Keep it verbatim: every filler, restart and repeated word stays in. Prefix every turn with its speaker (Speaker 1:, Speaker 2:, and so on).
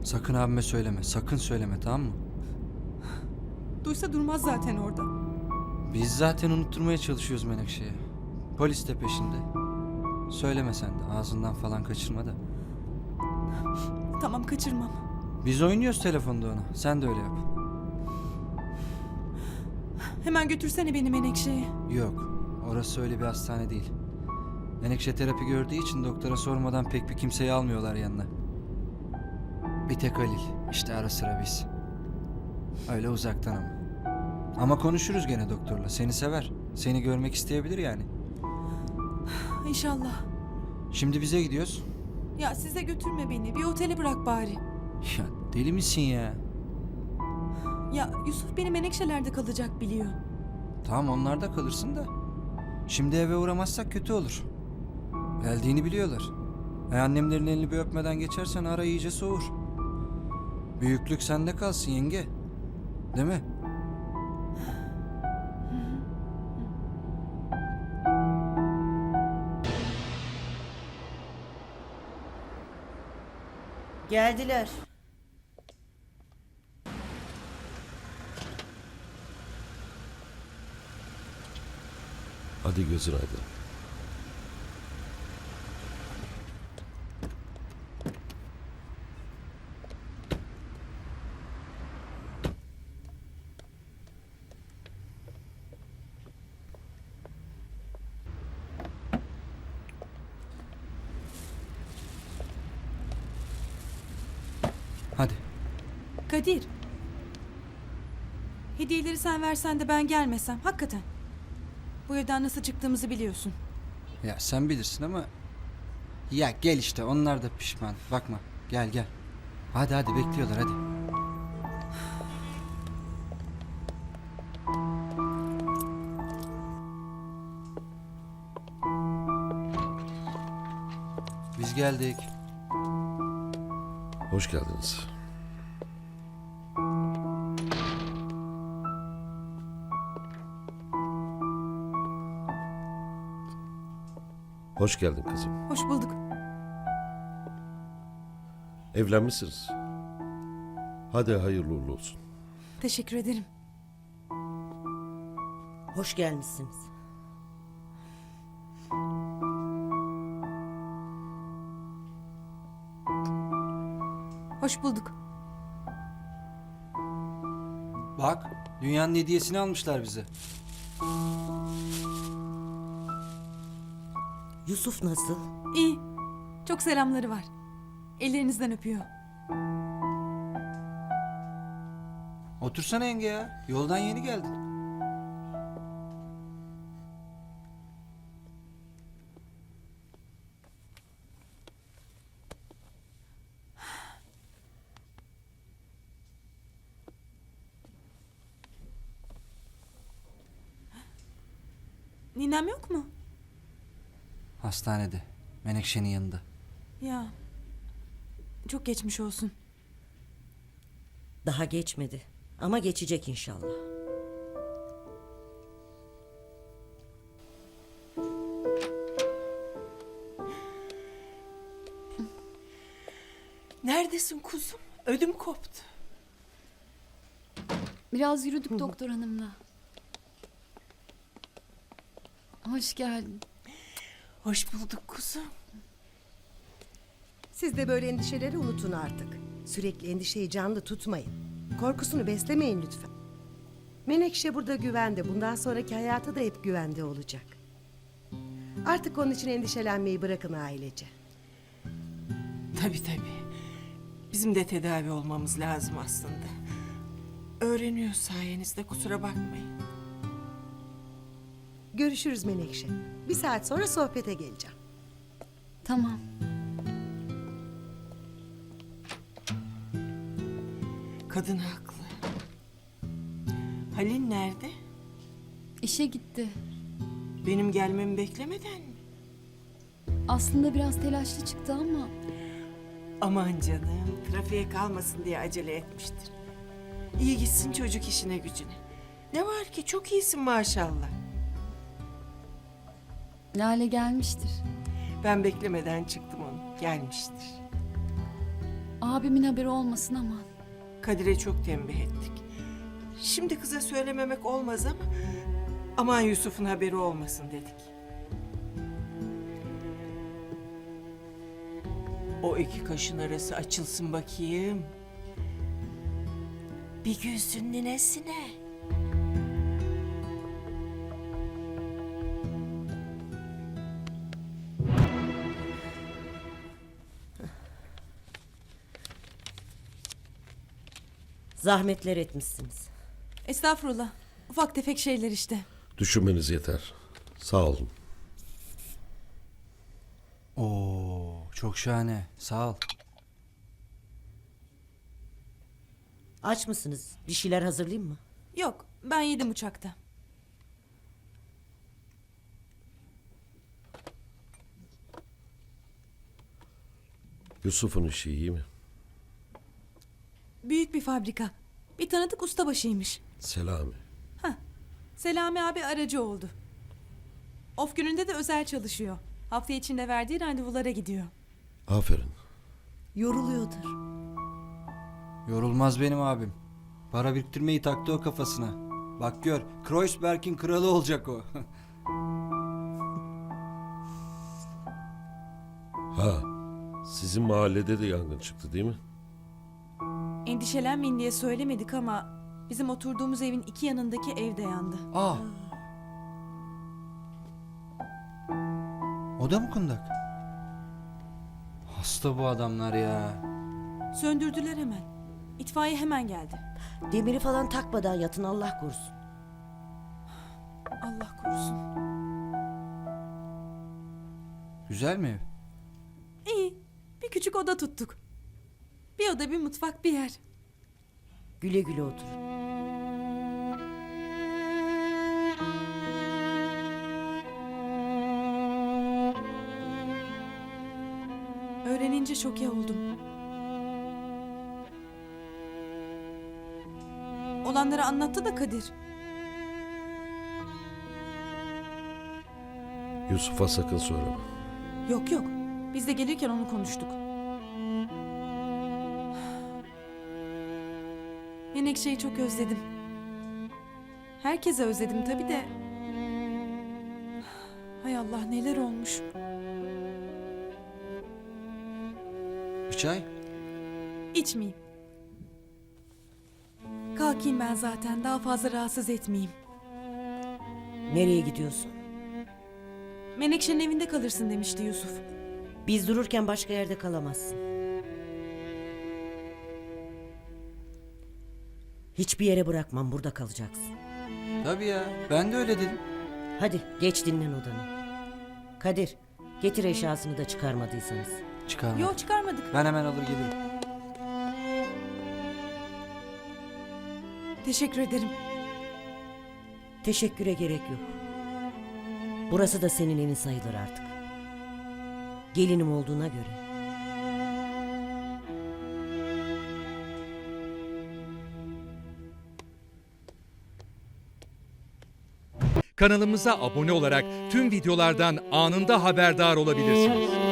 Speaker 1: Sakın abime söyleme. Sakın söyleme, tamam mı?
Speaker 2: Duysa durmaz zaten orada.
Speaker 1: Biz zaten unutturmaya çalışıyoruz Menekşe'ye. Polis de peşinde. Söyleme sen de. Ağzından falan kaçırma da.
Speaker 2: Tamam, kaçırmam.
Speaker 1: Biz oynuyoruz telefonda ona. Sen de öyle yap.
Speaker 2: Hemen götürsene beni Menekşe'ye.
Speaker 1: Yok. Orası öyle bir hastane değil. Menekşe terapi gördüğü için doktora sormadan pek bir kimseyi almıyorlar yanına. Bir tek Halil. İşte ara sıra biz. Öyle uzaktan ama. Ama konuşuruz gene doktorla. Seni sever. Seni görmek isteyebilir yani.
Speaker 2: İnşallah.
Speaker 1: Şimdi bize gidiyoruz.
Speaker 2: Ya size götürme beni. Bir otele bırak bari.
Speaker 1: Ya deli misin ya?
Speaker 2: Ya Yusuf beni Menekşeler'de kalacak biliyor.
Speaker 1: Tamam, onlarda kalırsın da. Şimdi eve uğramazsak kötü olur. Geldiğini biliyorlar. E annemlerin elini bir öpmeden geçersen ara iyice soğur. Büyüklük sende kalsın yenge. Değil mi?
Speaker 3: Geldiler.
Speaker 4: Hadi gözün aydın.
Speaker 1: Hadi.
Speaker 2: Kadir. Hediyeleri sen versen de ben gelmesem. Hakikaten. Bu evden nasıl çıktığımızı biliyorsun.
Speaker 1: Ya sen bilirsin ama... Ya gel işte, onlar da pişman. Bakma, gel gel. Hadi hadi, bekliyorlar hadi. Biz geldik.
Speaker 4: Hoş geldiniz. Hoş geldin kızım.
Speaker 2: Hoş bulduk.
Speaker 4: Evlenmişsiniz. Hadi hayırlı uğurlu olsun.
Speaker 2: Teşekkür ederim.
Speaker 3: Hoş gelmişsiniz.
Speaker 2: Hoş bulduk.
Speaker 1: Bak, dünyanın hediyesini almışlar bize.
Speaker 3: Yusuf nasıl?
Speaker 2: İyi. Çok selamları var. Ellerinizden öpüyor.
Speaker 1: Otursana yenge ya. Yoldan yeni geldin.
Speaker 2: Ninem yok mu?
Speaker 1: Hastanede. Menekşe'nin yanında.
Speaker 2: Ya. Çok geçmiş olsun.
Speaker 3: Daha geçmedi. Ama geçecek inşallah.
Speaker 5: Neredesin kuzum? Ödüm koptu.
Speaker 6: Biraz yürüdük doktor hanımla. Hoş geldin.
Speaker 5: Hoş bulduk kuzum.
Speaker 7: Siz de böyle endişeleri unutun artık. Sürekli endişeyi canlı tutmayın. Korkusunu beslemeyin lütfen. Menekşe burada güvende. Bundan sonraki hayatı da hep güvende olacak. Artık onun için endişelenmeyi bırakın ailece.
Speaker 5: Tabii tabii. Bizim de tedavi olmamız lazım aslında. Öğreniyor sayenizde, kusura bakmayın.
Speaker 7: Görüşürüz Menekşe. Bir saat sonra sohbete geleceğim.
Speaker 6: Tamam.
Speaker 5: Kadın haklı. Halil nerede?
Speaker 6: İşe gitti.
Speaker 5: Benim gelmemi beklemeden mi?
Speaker 6: Aslında biraz telaşlı çıktı ama
Speaker 5: Aman canım, trafiğe kalmasın diye acele etmiştir. İyi gitsin çocuk işine gücüne. Ne var ki, çok iyisin maşallah.
Speaker 6: Lale gelmiştir.
Speaker 5: Ben beklemeden çıktım onu, gelmiştir.
Speaker 6: Aa, Abimin haberi olmasın ama.
Speaker 5: Kadir'e çok tembih ettik. Şimdi kıza söylememek olmaz ama... Aman Yusuf'un haberi olmasın dedik. O iki kaşın arası açılsın bakayım. Bir gülsün ninesine.
Speaker 3: Zahmetler etmişsiniz.
Speaker 2: Estağfurullah. Ufak tefek şeyler işte.
Speaker 4: Düşünmeniz yeter. Sağ olun.
Speaker 1: Oo, çok şahane. Sağ ol.
Speaker 3: Aç mısınız? Bir şeyler hazırlayayım mı?
Speaker 2: Yok, ben yedim uçakta.
Speaker 4: Yusuf'un işi iyi mi?
Speaker 2: Büyük bir fabrika. Bir tanıdık ustabaşıymış.
Speaker 4: Selami.
Speaker 2: Selami abi aracı oldu. Of gününde de özel çalışıyor. Hafta içinde verdiği randevulara gidiyor.
Speaker 4: Aferin.
Speaker 3: Yoruluyordur.
Speaker 1: Yorulmaz benim abim. Para biriktirmeyi taktı o kafasına. Bak gör, Kreuzberg'in kralı olacak o.
Speaker 4: Ha, sizin mahallede de yangın çıktı değil mi?
Speaker 2: Endişelenmeyin diye söylemedik ama bizim oturduğumuz evin iki yanındaki ev de yandı.
Speaker 1: Aa. O da mı kundak? Hasta bu adamlar ya.
Speaker 2: Söndürdüler hemen. İtfaiye hemen geldi.
Speaker 3: Demiri falan takmadan yatın Allah korusun.
Speaker 2: Allah korusun.
Speaker 1: Güzel mi ev?
Speaker 2: İyi. Bir küçük oda tuttuk. Bir oda, bir mutfak, bir yer.
Speaker 3: Güle güle oturun.
Speaker 2: Öğrenince şoke oldum. Olanları anlattı da Kadir.
Speaker 4: Yusuf'a sakın söyleme.
Speaker 2: Yok yok. Biz de gelirken onu konuştuk. Menekşe'yi çok özledim. Herkese özledim tabii de. Hay Allah neler olmuş.
Speaker 1: Bir çay?
Speaker 2: İçmeyeyim. Kalkayım ben zaten. Daha fazla rahatsız etmeyeyim.
Speaker 3: Nereye gidiyorsun?
Speaker 2: Menekşe'nin evinde kalırsın demişti Yusuf.
Speaker 3: Biz dururken başka yerde kalamazsın. Hiçbir yere bırakmam, burada kalacaksın.
Speaker 1: Tabii ya. Ben de öyle dedim.
Speaker 3: Hadi geç dinlen odana. Kadir, getir eşyasını da çıkarmadıysanız.
Speaker 1: Çıkarma.
Speaker 2: Yok çıkarmadık.
Speaker 1: Ben hemen alır gelirim.
Speaker 2: Teşekkür ederim.
Speaker 3: Teşekküre gerek yok. Burası da senin evin sayılır artık. Gelinim olduğuna göre.
Speaker 8: Kanalımıza abone olarak tüm videolardan anında haberdar olabilirsiniz.